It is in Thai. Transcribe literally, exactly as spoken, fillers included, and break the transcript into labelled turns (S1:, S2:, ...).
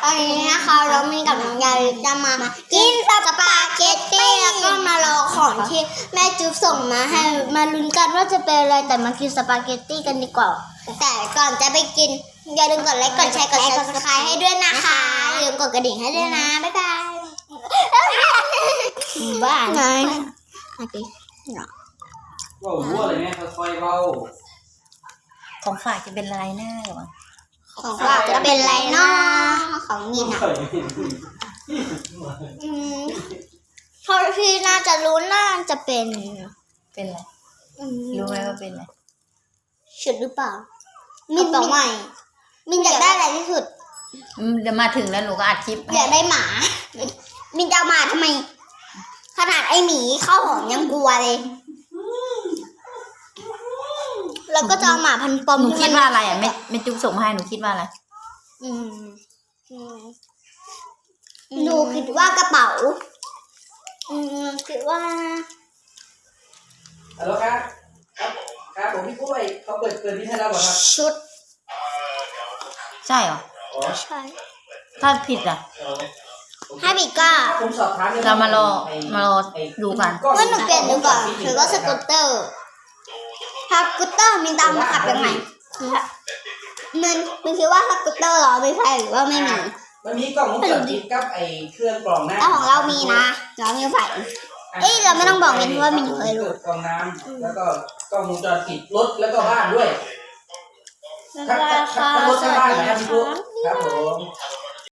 S1: ตอนนี้นะคะเรามีกับน้องยาลิจะมากินสปาเกตตี้แล้วก็มารอของที่แม่จุ๊บส่งมาให้มาลุ้นกันว่าจะเป็นอะไรแต่มากินสปาเกตตี้กันดีกว่าแต่ก่อนจะไปกินอย่าลืมกดไลค์กดแชร์กดซับสไครต์ให้ด้วยนะคะอย่าลืมกดกระดิ่งให้ด้วยนะบ๊ายบายบ้าไงโอเค
S2: ว่าวัวเลยเนี่ยค่อยๆเบา
S3: ของฝากจะเป็นลายหน้าหรอ
S1: ของฝากจะเป็นไรเนาะของมินอ่ะอืมเท่าที่น่าจะรู้น่าจะเป็น
S3: เป็นอะไรรู้ไหมว่าเป็นอะไร
S1: ชุดหรือเปล่ามินบอกใหม่มินอยากได้อะไรที่สุด
S3: เดี๋ยวมาถึงแล้วหนูก็อัดคลิป
S1: อยากได้หมามินจะเอามาทำไมขนาดไอหมีเข้าหอมยังกลัวเลยแล้วก็จะเอาหมาพันปอม
S3: หนูคิดว่าอะไรอ่ะไม่ไม่จุ๊บส่งมาให้หนูคิดว่าอะไร
S1: อืมหนูคิดว่ากระเป๋าอืมคิดว่า
S2: ฮัลโหลครับครับครับผมพี่กล้วยเขาเปิดเปิดที่ให้เราเหรอครับ
S1: ชุด
S3: ใช่เหรอ
S1: ใช่
S3: ถ้าผิดอ่ะ
S1: ถ้าผิดก็
S3: เรามารอมารอดูกัน
S1: ว่าหนูเปลี่ยนดูก่อนหรือว่าสกูตเตอร์ถ้าสกูตเตอร์มินตามมาขับยังไงมันมันคิดว่าสกูตเตอร์เหรอไม่ใช่หรือว่าไม่มี
S2: มันมีกล่องมุกจริงกับไอ้เครื่องกรองน้ำ
S1: แต่ของเรามีนะเรามีไฟเอ้ยเราไม่ต้องบอกมินเพราะว่ามินเคยรู้
S2: กรองน้ำแล้วก็กล้องวงจรปิดรถแล้วก็บ้านด้วย
S1: ราคา
S2: รถทั้งบ้านนะครับพี่ปุ๊ครับผม